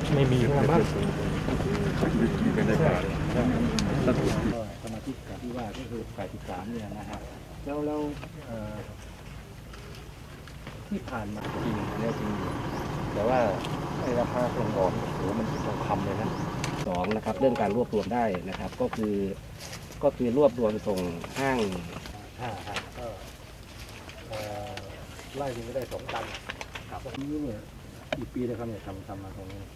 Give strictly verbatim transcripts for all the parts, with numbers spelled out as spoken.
ไม่มีนะบ้างเป็นในป่าสมาชิกที่ว่าก็คือฝ่ายที่สามเนี่ยนะฮะแล้วแล้วที่ผ่านมาจริงเนี่ยจริงแต่ว่าไอ้ราคาส่งออกโอ้โหมันเป็นทองคำเลยนะสองนะครับเรื่องการรวบรวมได้นะครับก็คือก็คือรวบรวมส่งห้างห้าฮะก็ไล่ถึงก็ได้สองตันครับนี้เนี่ยกี่ปีแล้วครับเนี่ยทำทำมาตรงนี้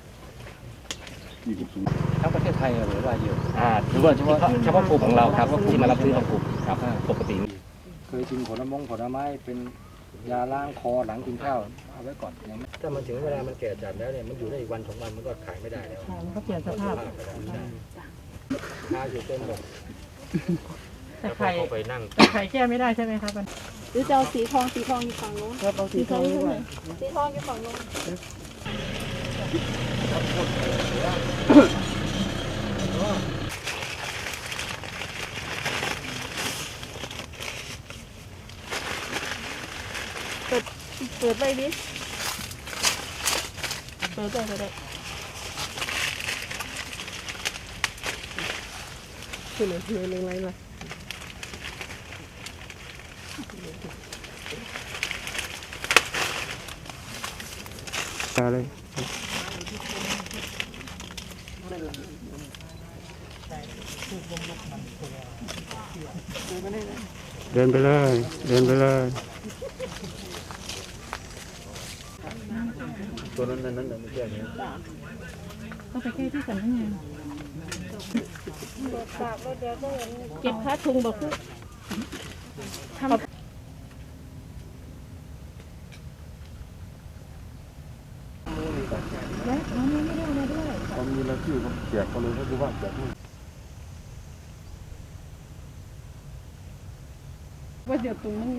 ทั้งประเทศไทยหรือว่าเยอะอ่าหรือว่าเฉพาะเฉพาะกลุ่มของเราครับที่มารับซื้อของกลุ่มครับปกติเคยกินผลมงผลไม้เป็นยาล้างคอหลังกินข้าวเอาไว้ก่อนถ้ามันถึงเวลามันแก่จัดแล้วเนี่ยมันอยู่ได้อีกวันสองวันมันก็ขายไม่ได้แล้วมันก็เปลี่ยนสภาพค้าอยู่เต็มหมดแต่ไข่แต่ไข่แก้ไม่ได้ใช่ไหมครับหรือจะเอาสีทองสีทองอยู่ฝั่งนู้นครับเอาสีทองดีกว่าสีทองอยู่ฝั่งนู้นเปิดเปิดไปดิเปิดได้เปิดได้คือเหลือเหลือเรื่องอะไรล่ะอะไรเดินไปเลยเดินไปเลยตัวนั้นนั้นนั้นไม่ใช่เนี่ยก็ไปแก้ที่สำนักงานเก็บค่าทุงบอกคือทำและน้องไม่ได้เอามาด้วยตอนมีรายชื่อเขาแจกเขาเลยให้ดูว่าแจกนู่นว่าเดี๋ยวตรงนี้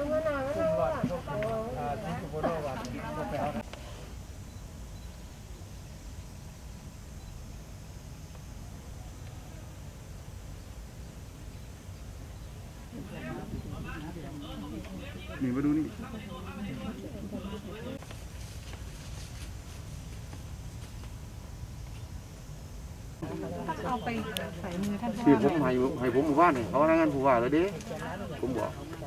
นี่มาดูนี่เอาไปใส่มือท่านที่ผมให้ให้ผมหมู่บ้านเนี่ยเขารายงานผู้ว่าเลยเด้ผมบอก